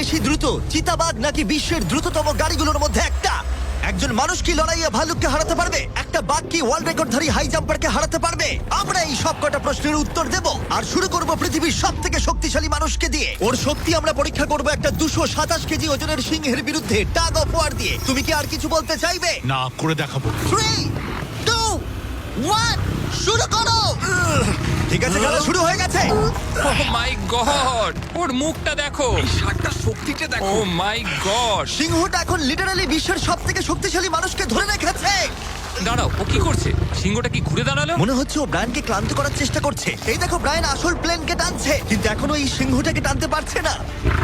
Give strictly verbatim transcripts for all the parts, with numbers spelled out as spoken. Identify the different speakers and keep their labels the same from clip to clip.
Speaker 1: বেশি দ্রুত, চিতাবাঘ নাকি বিশ্বের দ্রুততম গাড়িগুলোর মধ্যে একটা? একজন মানুষ কি লড়াইয়ে ভালুককে হারাতে পারবে? একটা বাঘ কি ওয়ার্ল্ড রেকর্ডধারী হাই জাম্পারকে হারাতে পারবে? আমরা এই সব কটা প্রশ্নের উত্তর দেব আর শুরু করব পৃথিবীর সব থেকে শক্তিশালী মানুষকে দিয়ে। ওর শক্তি আমরা পরীক্ষা করব একটা দুশো সাতাশ কেজি ওজনের সিংহের বিরুদ্ধে টাগ অফ ওয়ার দিয়ে। তুমি কি আর কিছু বলতে চাইবে?
Speaker 2: না, করে দেখাবো।
Speaker 1: থ্রি টু ওয়ান শুরু করো। ঠিক আছে, খেলা শুরু হয়ে গেছে।
Speaker 3: ও মাই গড, ওর মুখটা দেখো,
Speaker 4: ষাটটা শক্তিটা
Speaker 3: ও
Speaker 4: দেখো।
Speaker 3: মাই গড।
Speaker 1: সিংহটা এখন লিটারালি বিশ্বের সব থেকে শক্তিশালী মানুষকে ধরে রেখেছে।
Speaker 3: দাঁড়াও, ও কি করছে? সিংহটা কি ঘুরে দাঁড়ালো?
Speaker 1: মনে হচ্ছে ও ব্রায়ানকে ক্লান্ত করার চেষ্টা করছে। এই দেখো, ব্রায়ান আসল প্লেনকে টানছে, কিন্তু এখনো এই সিংহটাকে টানতে পারছে না।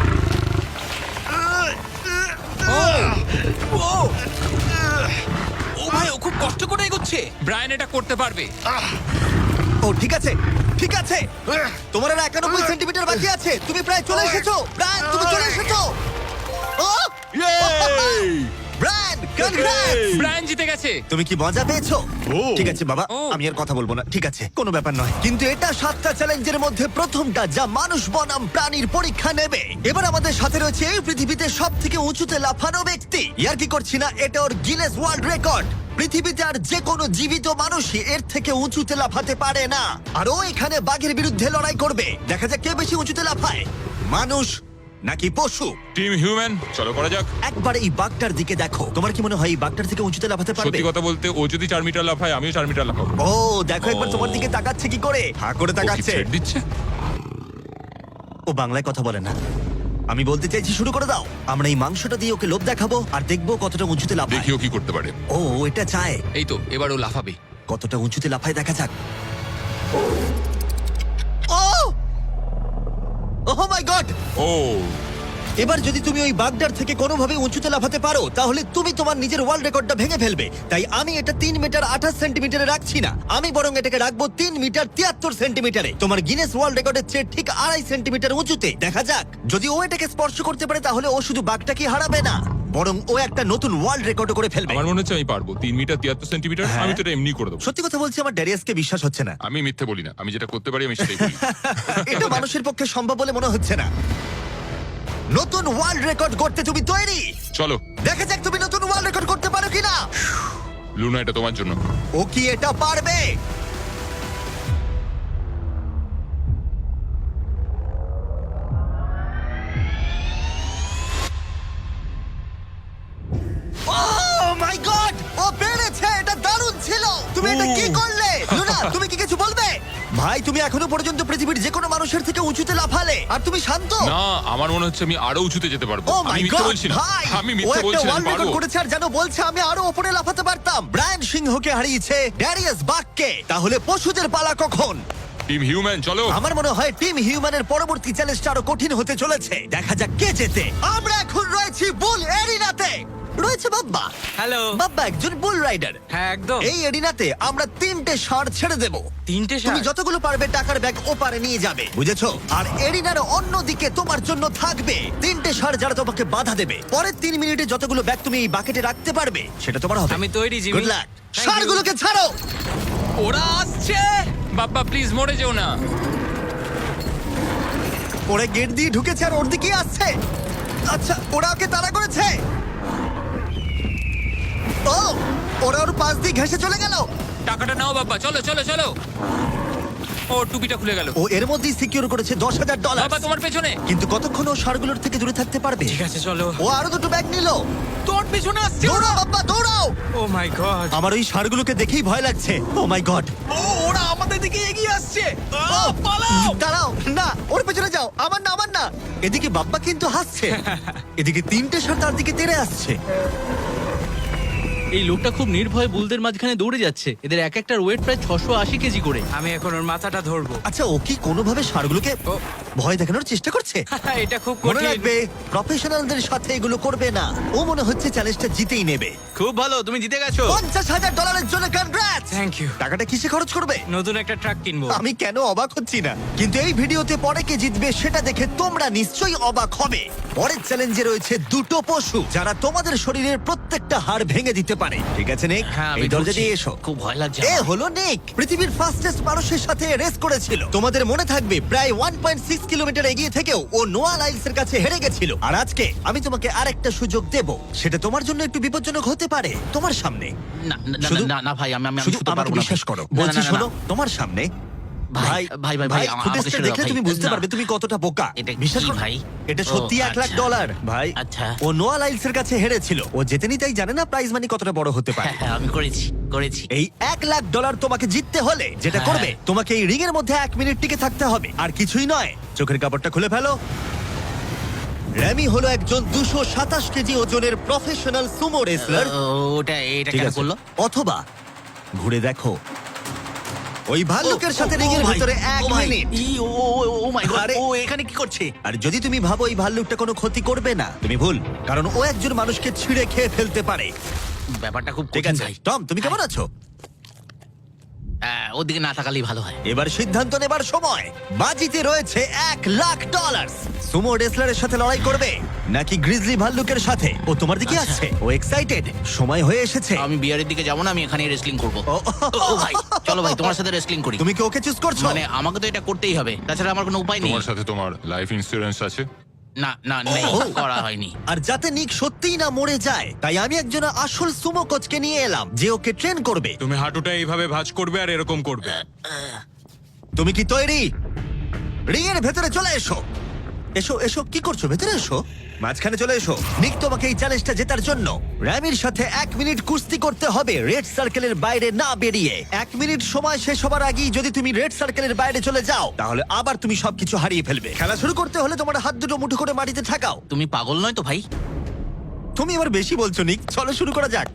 Speaker 4: ও ও ভাই, ও খুব কষ্ট করে এগোচ্ছে।
Speaker 3: ব্রায়ান এটা করতে পারবে।
Speaker 1: ও ঠিক আছে, ঠিক আছে। তোমার আর একানব্বই সেন্টিমিটার বাকি আছে। তুমি প্রায় চলে এসেছো ব্রায়ান, তুমি চলে এসেছো। ও ব্রায়ান, কনগ্রেটস!
Speaker 3: ব্রায়ান জিতে গেছে।
Speaker 1: তুমি কি মজা পেয়েছো?
Speaker 2: ও।
Speaker 1: ঠিক আছে বাবা,
Speaker 3: ও।
Speaker 1: আমি আর কথা বলবো না। ঠিক আছে, কোনো ব্যাপার নয়। কিন্তু এটা সাতটা চ্যালেঞ্জের মধ্যে প্রথমটা যা মানুষ বনাম প্রাণীর পরীক্ষা নেবে। এবার আমাদের সাথে রয়েছে এই পৃথিবীতে সব থেকে উঁচুতে লাফানো ব্যক্তি। ইয়ার কি করছি না, এটা ওর গিনেস ওয়ার্ল্ড রেকর্ড। পৃথিবীতে আর যে কোনো জীবিত মানুষই এর থেকে উঁচুতে লাফাতে পারে না। আর ও এখানে বাঘের বিরুদ্ধে লড়াই করবে। দেখা যাক কে বেশি উঁচুতে লাফায়, মানুষ নাকি পশু।
Speaker 5: টিম হিউম্যান, চলো করা যাক।
Speaker 1: একবার এই বাঘটার দিকে দেখো। তোমার কি মনে হয় এই বাঘটার থেকে উঁচুতে লাফাতে পারবে?
Speaker 5: সত্যি কথা বলতে, ও যদি চার মিটার লাফায়, আমিও চার মিটার লাফাবো।
Speaker 1: ও দেখো একবার তোমার দিকে তাকাচ্ছে কি করে, হা করে
Speaker 5: ও কি
Speaker 1: তাকাচ্ছে।
Speaker 5: ছেড় দিচ্ছে?
Speaker 1: ও বাংলায় কথা বলে না। আমি বলতে চাইছি শুরু করে দাও। আমরা এই মাংসটা দিয়ে ওকে লোভ দেখাবো আর দেখবো কতটা উঁচুতে লাফায়।
Speaker 5: দেখি ও কি করতে পারে।
Speaker 1: ও এটা চায়।
Speaker 3: এই তো, এবার ও লাফাবে।
Speaker 1: কতটা উঁচুতে লাফায় দেখা যাক। ও ওহ মাই গড!
Speaker 5: ও
Speaker 1: এবার যদি তুমি ওই বাগদার থেকে কোনোভাবে উঁচুতে লাফাতে পারো, তাহলে তুমি তোমার নিজের ওয়ার্ল্ড রেকর্ডটা ভেঙে ফেলবে। তাই আমি এটা তিন মিটার আঠাশ সেন্টিমিটারে রাখছি না, আমি বরং এটাকে রাখবো তিন মিটার তিয়াত্তর সেন্টিমিটারে। তোমার গিনেস ওয়ার্ল্ড রেকর্ডের চেয়ে ঠিক আড়াই সেন্টিমিটার উঁচুতে। দেখা যাক, যদি ও এটাকে স্পর্শ করতে পারে তাহলে ও শুধু বাঘটাকে হারাবে না, বরং ও একটা নতুন ওয়ার্ল্ড রেকর্ড করে ফেলবে।
Speaker 5: আমার মনে হচ্ছে আমি পারবো। তিন মিটার তিয়াত্তর সেন্টিমিটার,
Speaker 1: হ্যাঁ।
Speaker 5: আমি তো এটা এমনি করে দেবো।
Speaker 1: সত্যি কথা বলছি, আমার ড্যারিয়াসকে বিশ্বাস হচ্ছে না।
Speaker 5: আমি মিথ্যে বলি না, আমি যেটা করতে পারি আমি সেটাই বলি।
Speaker 1: এটা মানুষের পক্ষে সম্ভব বলে মনে হচ্ছে না। নতুন ওয়ার্ল্ড রেকর্ড করতে তুমি তৈরি?
Speaker 5: চলো
Speaker 1: দেখা যাক তুমি নতুন ওয়ার্ল্ড রেকর্ড করতে পারো কিনা।
Speaker 5: লুনা, এটা তোমার জন্য।
Speaker 1: ও কি এটা পারবে? Oh my God! ও পেরেছে! এটা দারুণ ছিল! তুমি এটা কি করলে? লুনা, তুমি কি কিছু বলবে? ভাই, তুমি এখনো পর্যন্ত পৃথিবীর যে কোনো মানুষের থেকে উঁচুতে লাফালে আর তুমি শান্ত।
Speaker 5: না, আমার মনে হচ্ছে আমি আরো উঁচুতে যেতে পারবো।
Speaker 1: ও
Speaker 5: আমি
Speaker 1: মাই
Speaker 5: মিথ্যে
Speaker 1: গড
Speaker 5: বলছি না,
Speaker 1: ভাই!
Speaker 5: আমি
Speaker 1: ও
Speaker 5: মিথ্যে
Speaker 1: একটা
Speaker 5: বলছি না, আমি
Speaker 1: ওয়ার্ল্ড রেকর্ড
Speaker 5: পারবো।
Speaker 1: করেছে আর যেন বলছে আমি আরো উপরে লাফাতে পারতাম। ব্রায়ান সিংহকে হারিয়েছে ড্যারিয়াস বাককে। তাহলে পশুদের পালা কখন?
Speaker 5: টিম হিউম্যান, চলো।
Speaker 1: আমার মনে হয় টিম হিউম্যানের পরবর্তী চ্যালেঞ্জটা আরো কঠিন হতে চলেছে। দেখা যাক কে জেতে। আমরা এখন রয়েছি বুল এরিনাতে। রয়েছে বাব্বা।
Speaker 4: হ্যালো।
Speaker 1: বাব্বা একজন বুল রাইডার।
Speaker 4: হ্যাঁ, একদম।
Speaker 1: এই এরিনাতে আমরা তিনটে ষাঁড় ছেড়ে দেব।
Speaker 4: তিনটে
Speaker 1: তুমি
Speaker 4: ষাঁড়?
Speaker 1: যতগুলো পারবে টাকার ব্যাগ ওপারে নিয়ে যাবে, বুঝেছো? আর এরিনার অন্যদিকে তোমার জন্য থাকবে তিনটে ষাঁড় যারা তোমাকে বাধা দেবে। পরের তিন মিনিটে যতগুলো ব্যাগ তুমি এই বাকেটে রাখতে পারবে সেটা তোমার হবে।
Speaker 4: আমি তৈরি, Jimmy.
Speaker 1: Good luck.
Speaker 4: Thank you.
Speaker 1: ষাঁড়গুলোকে ছাড়ো।
Speaker 4: ওরা আসছে।
Speaker 3: বাপ্পা প্লিজ মরে যেও না।
Speaker 1: ওরা গেট দিয়ে ঢুকেছে আর ওর দিকেই আসছে। আচ্ছা, ওরা ওকে তাড়া করেছে। ও, ওরা ওর পাশ দিয়ে ঘেঁষে চলে গেল।
Speaker 3: টাকাটা নাও বাপ্পা, চলো চলো চলো। ও টুপিটা খুলে গেল।
Speaker 1: ও এর মধ্যেই সিকিউর করেছে দশ হাজার ডলার।
Speaker 3: বাবা তোমার পেছনে।
Speaker 1: কিন্তু কতক্ষণ ও ষাঁড়গুলোর থেকে দূরে থাকতে পারবে?
Speaker 4: ঠিক আছে, চলো।
Speaker 1: ও আরো দুটো ব্যাগ নিল।
Speaker 4: তোর পেছনে আসছে।
Speaker 1: দৌড়াও বাবা, দৌড়াও।
Speaker 4: Oh my god.
Speaker 1: আমার ওই ষাঁড়গুলোকে দেখেই ভয় লাগছে। ও মাই গড।
Speaker 4: ও, ওরা আমাদের দিকে এগিয়ে আসছে। আহ, পালাও।
Speaker 1: দাঁড়াও, না ওর পেছনে যাও। আমার না, আমার না। এদিকে বাব্বা কিন্তু হাসছে, এদিকে তিনটে ষাঁড় তার দিকে তেড়ে আসছে।
Speaker 6: এই লোকটা খুব নির্ভয়ে বুলদের মাঝখানে দৌড়ে যাচ্ছে। এদের এক একটার ওয়েট প্রায় ছশো আশি কেজি করে।
Speaker 4: আমি এখন ওর মাথাটা ধরবো।
Speaker 1: আচ্ছা, ও কি কোনোভাবে ষাঁড়গুলোকে
Speaker 4: ও।
Speaker 1: ভয় দেখানোর চেষ্টা করছে?
Speaker 4: এটা খুব
Speaker 1: মনে
Speaker 4: কঠিন।
Speaker 1: রাখবে, প্রফেশনালদের সাথে এগুলো করবে না। ও মনে হচ্ছে চ্যালেঞ্জটা জিতেই নেবে।
Speaker 6: খুব ভালো, তুমি জিতে গেছো।
Speaker 1: পঞ্চাশ হাজার ডলারের জন্য কনগ্রাটস।
Speaker 4: Thank you.
Speaker 1: টাকাটা কিসে খরচ করবে?
Speaker 4: নতুন একটা ট্রাক কিনবো।
Speaker 1: আমি কেন অবাক হচ্ছি না, কিন্তু এই ভিডিওতে পরে কে জিতবে সেটা দেখে তোমরা নিশ্চয়ই অবাক হবে। পরের চ্যালেঞ্জে রয়েছে দুটো পশু যারা তোমাদের শরীরের প্রত্যেকটা হাড় ভেঙে দিতে পারে। ঠিক আছে নিক,
Speaker 4: হ্যাঁ, আমি
Speaker 1: এই দরজা
Speaker 4: ঢুকছি।
Speaker 1: দিয়ে এসো।
Speaker 6: খুব ভয় লাগছে
Speaker 1: এ
Speaker 6: আমার।
Speaker 1: হলো নিক, পৃথিবীর ফাস্টেস্ট মানুষের সাথে রেস করেছিল। তোমাদের মনে থাকবে প্রায় ওয়ান পয়েন্ট সিক্স কিলোমিটার এগিয়ে থেকেও ও নোয়া লাইলস এর কাছে হেরে গেছিল। আর আজকে আমি তোমাকে আরেকটা সুযোগ দেব, সেটা তোমার জন্য একটু বিপজ্জনক হতে পারে। তোমার সামনে
Speaker 6: না না, না,
Speaker 1: শুধু-
Speaker 6: না না ভাই আমি আমি আমি
Speaker 1: শুধু
Speaker 6: শুতে
Speaker 1: আমাকে
Speaker 6: পারবো না
Speaker 1: বিশ্বাস করো,
Speaker 6: না, না,
Speaker 1: বলছি
Speaker 6: না, না,
Speaker 1: শোনো,
Speaker 6: না।
Speaker 1: তোমার সামনে
Speaker 6: ভাই ভাই ভাই ভাই আমাকে
Speaker 1: ফুটেজটা
Speaker 6: ছেড়ে দাও,
Speaker 1: দেখলে
Speaker 6: ভাই।
Speaker 1: তুমি বুঝতে
Speaker 6: না।
Speaker 1: পারবে তুমি কতটা বোকা।
Speaker 6: এটা
Speaker 1: বিশ্বাস
Speaker 6: কি
Speaker 1: করো
Speaker 6: ভাই?
Speaker 1: এটা
Speaker 6: ও,
Speaker 1: সত্যি এক লাখ
Speaker 6: আচ্ছা।
Speaker 1: ডলার ভাই।
Speaker 6: আচ্ছা।
Speaker 1: ও নোয়া লাইলস এর কাছে হেরেছিল। ও জেতেনি তাই জানে না প্রাইজ মানি কতটা বড় হতে পারে।
Speaker 6: হ্যাঁ হ্যাঁ আমি করেছি করেছি
Speaker 1: এই এক লাখ ডলার তোমাকে জিততে হলে যেটা
Speaker 6: হ্যাঁ।
Speaker 1: করবে, তোমাকে এই রিং এর মধ্যে এক মিনিট টিকে থাকতে হবে, আর কিছুই নয়। চোখের কাপড়টা খুলে ফেলো। র্যামি হলো একজন দুশো সাতাশ কেজি ওজনের প্রফেশনাল সুমো রেসলার।
Speaker 6: ও, ওটা এটা
Speaker 1: ঠিক
Speaker 6: কেন
Speaker 1: আছে।
Speaker 6: করলো?
Speaker 1: অথবা ঘুরে দেখো, ওই ভাল্লুকের
Speaker 6: ও,
Speaker 1: সাথে
Speaker 6: ও,
Speaker 1: রিং এর
Speaker 6: ও ভাই,
Speaker 1: ভিতরে এক
Speaker 6: ও ভাই,
Speaker 1: minute.
Speaker 6: E, O O, O, O my god,
Speaker 1: আরে-
Speaker 6: ও এখানে কি করছে?
Speaker 1: আর যদি তুমি ভাবো এই ভাল্লুকটা কোনো ক্ষতি করবে না, তুমি ভুল, কারণ ও একজন মানুষকে ছিঁড়ে খেয়ে ফেলতে পারে।
Speaker 6: ব্যাপারটা খুব
Speaker 1: ঠিক
Speaker 6: কঠিন
Speaker 1: আছে
Speaker 6: ভাই।
Speaker 1: টম, তুমি কেমন আছো?
Speaker 6: হ্যাঁ, ওদিকে না তাকালেই ভালো হয়।
Speaker 1: এবার সিদ্ধান্ত নেবার সময়। বাজিতে রয়েছে এক লাখ ডলার। সুমো রেসলারের সাথে লড়াই করবে নাকি গ্রিজলি ভাল্লুকের সাথে? ও তোমার দিকে
Speaker 6: আচ্ছা।
Speaker 1: আসছে, ও এক্সাইটেড, সময় হয়ে এসেছে।
Speaker 6: আমি বিয়ারের দিকে যাবো না, আমি এখানে রেসলিং করবো।
Speaker 1: ও,
Speaker 6: ও ভাই চলো ভাই তোমার সাথে রেসলিং করি।
Speaker 1: তুমি কি ওকে চুজ করছো?
Speaker 6: মানে আমাকে তো এটা করতেই হবে, তাছাড়া আমার কোনো উপায় নেই।
Speaker 5: তোমার সাথে তোমার লাইফ ইন্স্যুরেন্স আছে?
Speaker 6: না না নেই,
Speaker 1: ও।
Speaker 6: করা হয়নি।
Speaker 1: আর যাতে নিক সত্যিই না মরে যায়, তাই আমি একজন আসল সুমো কোচকে নিয়ে এলাম যে ওকে ট্রেন করবে।
Speaker 4: তুমি হাঁটুটা এইভাবে ভাঁজ করবে আর এরকম করবে।
Speaker 1: তুমি কি তৈরি? রিং এর ভেতরে চলে এসো। এসো এসো, কি করছো? ভেতরে এসো, মাঝখানে চলে এসো। নিক তোমাকে এই চ্যালেঞ্জটা জেতার জন্য র্যামির সাথে এক মিনিট কুস্তি করতে হবে রেড সার্কেলের বাইরে না বেরিয়ে। এক মিনিট সময় শেষ হবার আগেই যদি তুমি রেড সার্কেলের বাইরে চলে যাও, তাহলে আবার তুমি সবকিছু হারিয়ে ফেলবে। খেলা শুরু করতে হলে তোমার হাত দুটো মুঠো করে মাটিতে ঠাকাও।
Speaker 6: তুমি পাগল নয় তো ভাই?
Speaker 1: তুমি এবার বেশি বলছো নিক, চলো শুরু করা যাক।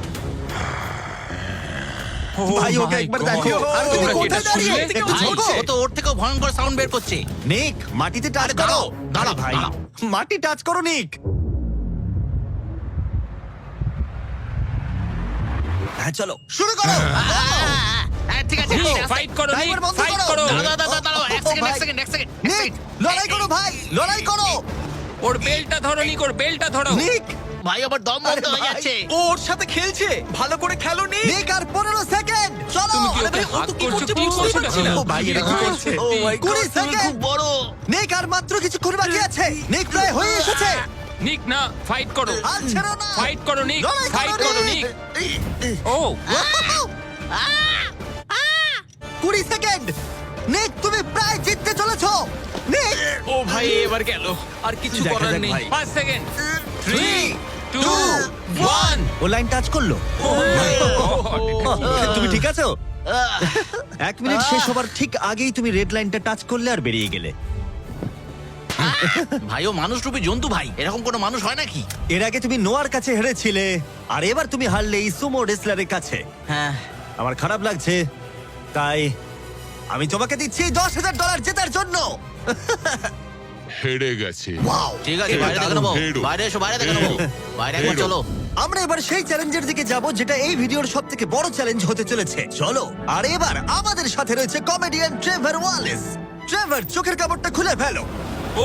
Speaker 1: ভাই ওকে
Speaker 3: my
Speaker 1: একবার
Speaker 3: God!
Speaker 1: দেখো। আর তুমি
Speaker 3: তোমরা কি
Speaker 1: কোথায়
Speaker 3: এটা
Speaker 1: দাঁড়িয়ে?
Speaker 3: শুনলে?
Speaker 1: একটু
Speaker 6: ভাই,
Speaker 1: ঝোঁকো।
Speaker 6: ও তো ওর থেকেও ভয়ঙ্কর সাউন্ড বের করছে।
Speaker 1: নিক মাটিতে টাচ
Speaker 6: আরে
Speaker 1: করো।
Speaker 6: দাঁড়াও, দাঁড়াও,
Speaker 1: আরে ভাই,
Speaker 6: দাঁড়াও।
Speaker 1: মাটি টাচ করো নিক। হ্যাঁ চলো শুরু করো।
Speaker 6: হ্যাঁ, ঠিক আছে, ঠিক আছে।
Speaker 3: ফাইট করো নিক,
Speaker 1: ড্রাইভার বন্ধ
Speaker 3: ফাইট
Speaker 1: করো।
Speaker 3: করো।
Speaker 6: দাঁড়াও, দাঁড়াও, দাঁড়াও, দাঁড়াও, এক
Speaker 1: ও,
Speaker 6: সেকেন্ড, এক
Speaker 1: ভাই।
Speaker 6: সেকেন্ড, এক সেকেন্ড, এক
Speaker 1: নিক
Speaker 6: সেকেন্ড।
Speaker 1: লড়াই করো ভাই, লড়াই করো।
Speaker 3: ওর বেলটা ধরো নিক, ওর বেলটা ধরো।
Speaker 1: নিক
Speaker 6: ভাই আবার দম
Speaker 1: আরে
Speaker 6: বন্ধ হয়ে
Speaker 1: ভাই।
Speaker 6: যাচ্ছে।
Speaker 4: ও ওর সাথে খেলছে, ভালো করে খেলো নি।
Speaker 1: নিক আর পনেরো সেকেন্ড চলো।
Speaker 3: তুমি কি
Speaker 1: আরে
Speaker 3: ওকে
Speaker 1: ভাই, ও
Speaker 3: হাত
Speaker 1: তো কি
Speaker 3: করছো?
Speaker 1: করছে
Speaker 3: কি
Speaker 1: বুঝতেই
Speaker 3: করছো
Speaker 1: পারছি না।
Speaker 3: এটা?
Speaker 1: ও ভাই, এটা কি করছে?
Speaker 6: ও মাই
Speaker 1: কুড়ি
Speaker 6: গড, তুমি
Speaker 1: সেকেন্ড।
Speaker 6: খুব বড়।
Speaker 1: নিক আর মাত্র কিছুক্ষণ বাকি আছে। নিক প্রায় হয়ে এসেছে।
Speaker 3: নিক না, ফাইট করো।
Speaker 1: আর ছেড়ো না।
Speaker 3: ফাইট করো নিক,
Speaker 1: লড়াই
Speaker 3: ফাইট করো নিক। ও
Speaker 1: কুড়ি সেকেন্ড। নিক তুমি প্রায় জিততে চলেছো। নিক
Speaker 4: ও ভাই এবার গেল, আর কিছু
Speaker 1: দেখা
Speaker 4: করার
Speaker 1: যাক
Speaker 4: নেই।
Speaker 1: ভাই।
Speaker 3: পাঁচ second. Three
Speaker 1: Three,
Speaker 3: two
Speaker 1: two,
Speaker 3: one.
Speaker 1: ও লাইন টাচ করলো। তুমি ঠিক আছো? এক মিনিট শেষ হবার ঠিক আগেই তুমি রেড লাইনটা টাচ করলে আর বেরিয়ে গেলে।
Speaker 6: ভাই ও মানুষ রূপী জন্তু ভাই, এরকম কোনো মানুষ হয় নাকি?
Speaker 1: এর আগে তুমি নোয়ার কাছে হেরেছিলে, আর এবার তুমি হারলে এই সুমো রেসলারের কাছে।
Speaker 6: হ্যাঁ,
Speaker 1: আমার খারাপ লাগছে, তাই আমি তোমাকে দিচ্ছি দশ হাজার ডলার জেতার জন্য।
Speaker 5: হেরে গেছে।
Speaker 1: ওয়াও,
Speaker 6: ঠিক আছে, বাইরে দেখে নেবো।
Speaker 5: হেরো।
Speaker 6: বাইরে এসো, বাইরে দেখে নেবো। বাইরে একবার
Speaker 5: হেরো।
Speaker 6: চলো।
Speaker 1: আমরা এবার সেই চ্যালেঞ্জের দিকে যাব যেটা এই ভিডিওর সব থেকে বড় চ্যালেঞ্জ হতে চলেছে। চলো। আর এবার আমাদের সাথে রয়েছে কমেডিয়ান ট্রেভার ওয়ালেস। ট্রেভার, চোখের কাপড়টা খুলে ফেলো।
Speaker 4: ও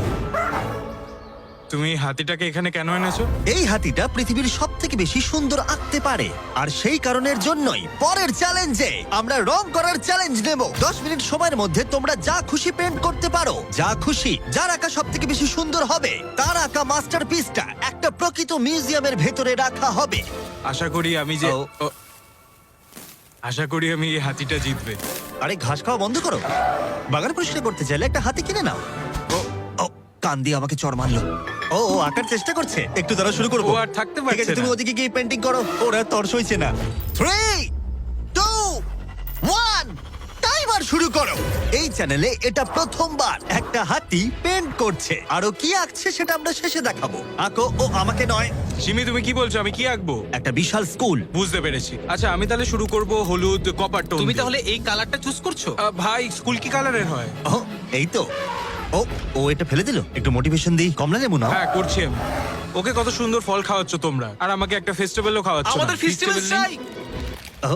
Speaker 4: তুমি হাতিটাকে এখানে কেন এনেছো?
Speaker 1: এই হাতিটা পৃথিবীর সব থেকে বেশি সুন্দর আঁকতে পারে, আর সেই কারণের জন্যই পরের চ্যালেঞ্জে আমরা রং করার চ্যালেঞ্জ নেব। দশ মিনিট সময়ের মধ্যে তোমরা যা খুশি পেন্ট করতে পারো, যা খুশি। যার আঁকা সব থেকে বেশি সুন্দর হবে তার আঁকা মাস্টারপিসটা একটা প্রকৃত মিউজিয়ামের ভেতরে রাখা হবে।
Speaker 4: আশা করি আমি যে
Speaker 1: ও।
Speaker 4: ও, আশা করি আমি এই হাতিটা জিতবে।
Speaker 1: আরে ঘাস খাওয়া বন্ধ করো। বাগান পরিষ্কার করতে চাইলে একটা হাতি কিনে নাও। ও ও কান দিয়ে আমাকে চড় মারলো। ও ও আঁকার চেষ্টা করছে, একটু দ্বারা শুরু করবো।
Speaker 4: ও আর থাকতে
Speaker 1: ঠিক
Speaker 4: পারছে
Speaker 1: আছে, তুমি
Speaker 4: না।
Speaker 1: ওদিকে গিয়ে পেন্টিং করো। ওরা তর সইছে না। থ্রি টু ওয়ান টাইমার শুরু করো। এই চ্যানেলে এটা প্রথমবার একটা হাতি পেন্ট করছে, আর ও কি আঁকছে সেটা আমরা শেষে দেখাবো। আঁকো। ও আমাকে নয়,
Speaker 4: সিমি তুমি কি বলছো, আমি কি আঁকবো?
Speaker 1: একটা বিশাল স্কুল।
Speaker 4: বুঝতে পেরেছি। আচ্ছা আমি তাহলে শুরু করব হলুদ কপার টোন।
Speaker 2: তুমি তাহলে এই কালারটা চুজ করছো?
Speaker 4: আহ, ভাই স্কুল কি কালারের হয়?
Speaker 1: ও এই তো। ও ও এটা ফেলে দিল। একটু মোটিভেশন দিই। কমলা লেবু নাও।
Speaker 4: হ্যাঁ করছি আমি। ওকে কত সুন্দর ফল খাওয়াচ্ছ তোমরা, আর আমাকে একটা ফেস্টিভ্যালও খাওয়াচ্ছ।
Speaker 2: আমাদের
Speaker 4: না।
Speaker 2: ফেস্টিভ্যাল
Speaker 4: Festival নেই?
Speaker 2: চাই।
Speaker 1: ও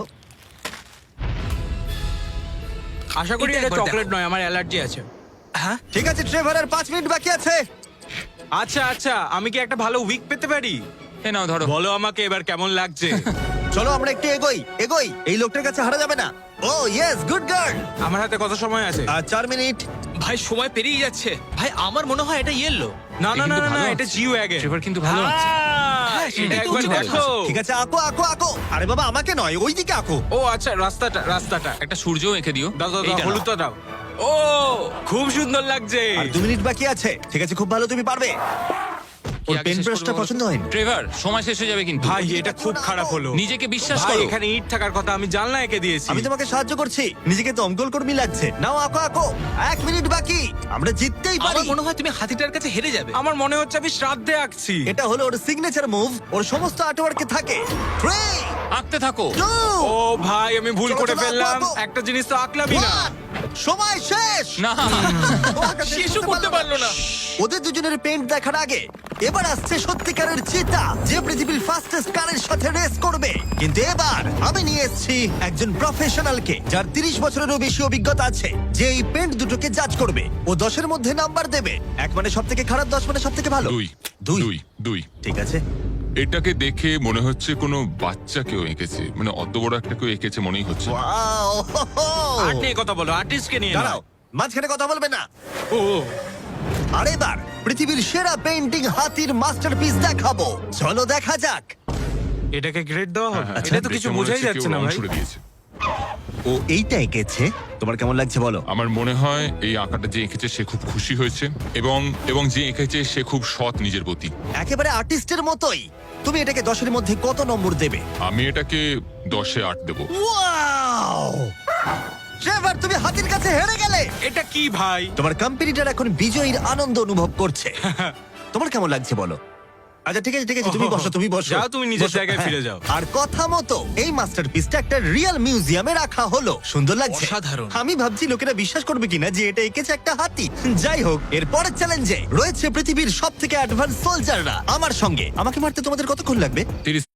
Speaker 4: আশা করি
Speaker 2: এটা
Speaker 4: এটা
Speaker 2: একবার
Speaker 4: চকলেট
Speaker 2: দেখো।
Speaker 4: নয়, আমার অ্যালার্জি আছে।
Speaker 2: হ্যাঁ,
Speaker 1: ঠিক আছে ট্রেভার, আর পাঁচ মিনিট বাকি আছে।
Speaker 4: আচ্ছা আচ্ছা, আমি কি একটা ভালো উইক পেতে পারি?
Speaker 3: এ নাও ধরো।
Speaker 4: বলো আমাকে এবার কেমন লাগছে।
Speaker 1: চলো আমরা একটু এগোই এগোই। এই লোকটার কাছে হারা যাবে না। Oh yes, good girl.
Speaker 4: আমার হাতে কত সময় আছে?
Speaker 1: আর চার মিনিট।
Speaker 2: ভাই সময় পেরিয়ে যাচ্ছে। ভাই আমার মনে হয় এটা ইয়েলো।
Speaker 4: না না
Speaker 3: এ
Speaker 4: না
Speaker 3: কিন্তু
Speaker 4: না না
Speaker 3: ভালো
Speaker 4: এটা
Speaker 3: আছে।
Speaker 4: জিও ওয়াগন
Speaker 3: ট্রেভার কিন্তু ভালো আছে।
Speaker 2: হ্যাঁ,
Speaker 4: এটা
Speaker 2: সেটাই তো
Speaker 4: একবার
Speaker 2: উচিত
Speaker 4: দেখো।
Speaker 1: ঠিক আছে, আঁকো আঁকো আঁকো। আরে বাবা, আমাকে নয়, ওইদিকে আঁকো।
Speaker 4: ও আচ্ছা রাস্তাটা রাস্তাটা
Speaker 3: একটা সূর্য এঁকে দিও।
Speaker 4: দাও দাও দাও
Speaker 3: এইটা নাও।
Speaker 4: হলুদটা দাও। ও খুব সুন্দর লাগছে।
Speaker 1: আর দু মিনিট বাকি আছে। ঠিক আছে, খুব ভালো, তুমি পারবে।
Speaker 3: কি
Speaker 1: ওর
Speaker 3: আগে
Speaker 1: পেন
Speaker 3: শেষ
Speaker 1: ব্রাশটা
Speaker 3: করবো বলো তো?
Speaker 1: পছন্দ হয়নি।
Speaker 3: ট্রেভার, সময় শেষ হয়ে যাবে কিন্তু।
Speaker 4: ভাই এটা খুব খারাপ হলো।
Speaker 3: নিজেকে বিশ্বাস
Speaker 4: ভাই
Speaker 3: করো।
Speaker 4: এখানে ইট থাকার কথা, আমি জানলা এঁকে দিয়েছি।
Speaker 1: আমি তোমাকে সাহায্য করছি, নিজেকে দমকল কর্মী লাগছে। নাও আঁকো আঁকো। এক মিনিট বাকি, আমরা জিততেই পারি।
Speaker 2: আমার মনে হয় তুমি হাতিটার কাছে হেরে যাবে।
Speaker 4: আমার মনে হচ্ছে আমি শ্রাদ্ধে আঁকছি।
Speaker 1: এটা হলো ওর সিগনেচার মুভ, ওর সমস্ত আর্টওয়ার্কে থাকে। থ্রি,
Speaker 3: আঁকতে থাকো।
Speaker 1: টু,
Speaker 4: ও ভাই আমি ভুল
Speaker 1: চলো,
Speaker 4: করে
Speaker 1: চলো,
Speaker 4: ফেললাম।
Speaker 1: আঁকো, আঁকো।
Speaker 4: একটা জিনিস তো আঁকলামই না।
Speaker 1: ওয়ান। সময় শেষ।
Speaker 3: না,
Speaker 1: ও আঁকা শেষ
Speaker 2: শেষও করতে পারলো না।
Speaker 1: ওদের দুজনের পেন্ট দেখার আগে এবার আসছে সত্যিকারের চিতা, যে পৃথিবীর ফাস্টেস্ট কারের সাথে রেস করবে। কিন্তু এবার আমি নিয়ে এসেছি একজন প্রফেশনালকে, যার তিরিশ বছরেরও বেশি অভিজ্ঞতা আছে, যে এই পেন্ট দুটোকে জাজ করবে। ও দশের মধ্যে নাম্বার দেবে। এক মানে সব থেকে খারাপ, দশ মানে সব থেকে ভালো।
Speaker 5: দুই
Speaker 1: দুই
Speaker 5: দুই দুই
Speaker 1: ঠিক আছে।
Speaker 5: এটাকে দেখে মনে হচ্ছে কোনো বাচ্চা কেউ এঁকেছে, মানে অত বড় একটা কেউ এঁকেছে মনেই হচ্ছে না।
Speaker 1: ওয়াও, হো, হো।
Speaker 4: আর্ট নিয়ে কথা বলো, আর্টিস্টকে নিয়ে
Speaker 1: দাঁড়াও,
Speaker 4: নাও।
Speaker 1: মাঝখানে কথা বলবে না।
Speaker 4: ও
Speaker 1: আর এবার পৃথিবীর সেরা পেন্টিং হাতির মাস্টারপিস দেখাবো। চলো দেখা যাক।
Speaker 4: এটাকে গ্রেড দেওয়া হবে?
Speaker 5: হ্যাঁ,
Speaker 4: এটা তো কিছু
Speaker 5: দেখে মনে
Speaker 4: বোঝাই
Speaker 5: হচ্ছে
Speaker 4: যাচ্ছে
Speaker 5: কেউ
Speaker 4: না
Speaker 5: রং
Speaker 4: ভাই।
Speaker 5: ছুড়ে দিয়েছে।
Speaker 1: ও এইটা এঁকেছে, তোমার কেমন লাগছে বলো?
Speaker 5: আমার মনে হয় এই আঁকাটা যে এঁকেছে সে খুব খুশি হয়েছে, এবং এবং যে এঁকেছে সে খুব সৎ নিজের প্রতি।
Speaker 1: একেবারে আর্টিস্টের মতোই। তুমি এটাকে দশের মধ্যে কত নম্বর দেবে?
Speaker 5: আমি এটাকে দশে আট দেবো।
Speaker 1: ওয়াও! ট্রেভার, তুমি হাতির কাছে হেরে গেলে।
Speaker 4: এটা কি ভাই?
Speaker 1: তোমার কম্পিটিটর এখন বিজয়ীর আনন্দ অনুভব করছে। তোমার কেমন লাগছে বলো? আচ্ছা ঠিক আছে ঠিক আছে, তুমি বসো তুমি বসো।
Speaker 4: যাও, তুমি নিজের
Speaker 1: বসো,
Speaker 4: জায়গায়
Speaker 1: হ্যাঁ।
Speaker 4: ফিরে যাও।
Speaker 1: আর কথা মতো এই মাস্টারপিসটা একটা রিয়েল মিউজিয়ামে রাখা হলো। সুন্দর লাগছে।
Speaker 2: অসাধারণ।
Speaker 1: আমি ভাবছি লোকেরা বিশ্বাস করবে কিনা যে এটা এঁকেছে একটা হাতি। যাই হোক, এর পরের চ্যালেঞ্জে রয়েছে পৃথিবীর সব থেকে অ্যাডভান্স সোলজাররা আমার সঙ্গে। আমাকে মারতে তোমাদের কতক্ষণ লাগবে?
Speaker 5: তিরিশ